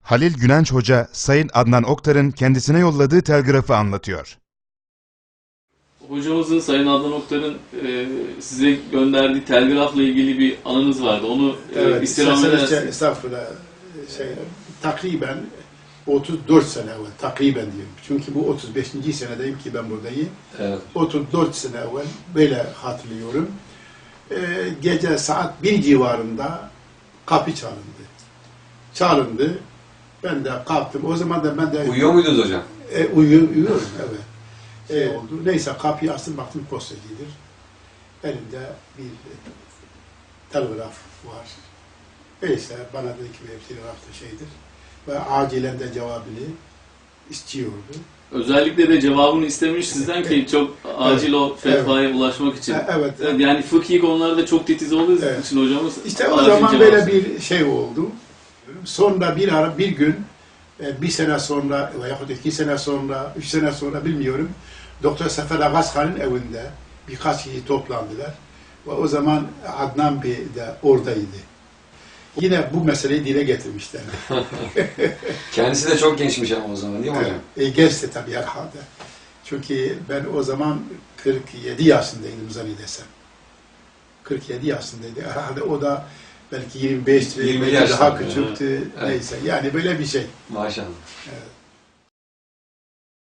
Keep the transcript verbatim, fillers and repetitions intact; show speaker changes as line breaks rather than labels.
Halil Günenç Hoca, Sayın Adnan Oktar'ın kendisine yolladığı telgrafı anlatıyor.
Hocamızın, Sayın Adnan Oktar'ın e, size gönderdiği telgrafla ilgili bir anınız vardı. Onu
evet,
e, istirham edersiniz.
Estağfurullah. Şey, takriben otuz dört sene evvel, takriben diyorum. Çünkü bu otuz beşinci senedeyim ki ben buradayım.
Evet.
otuz dört sene evvel böyle hatırlıyorum. Ee, gece saat bir civarında kapı çalındı. Çalındı. Ben de kalktım. O zaman da ben de...
Uyuyor muydunuz hocam?
E, uyuyor, uyuyorum, evet. Şey oldu. Neyse kapıyı açtım, baktım postacıdır. Elimde bir telgraf var. Neyse bana dedi ki bir telgraf da şeydir. Ve acilen de cevabını istiyordu.
Özellikle de cevabını istemiş sizden ki çok acil evet, o fetvaya evet, ulaşmak için.
Evet, evet.
Yani fıkhi konularda çok titiz olduğu
evet,
için hocamız...
İşte o zaman böyle bir şey oldu. Sonra bir ara, bir gün, bir sene sonra veyahut iki sene sonra, üç sene sonra bilmiyorum. Doktor Sefer Agazhan'ın evinde birkaç kişi toplandılar. Ve o zaman Adnan Bey de oradaydı. Yine bu meseleyi dile getirmişler.
Kendisi de çok gençmiş ama o zaman değil mi hocam?
Evet, e, gençti tabii herhalde. Çünkü ben o zaman kırk yedi yaşındaydım zannedersem. kırk yedi yaşındaydı. Herhalde o da belki yirmi beş,
yirmi
daha
yaşında,
küçüktü.
Evet.
Neyse yani böyle bir şey.
Maşallah.
Evet.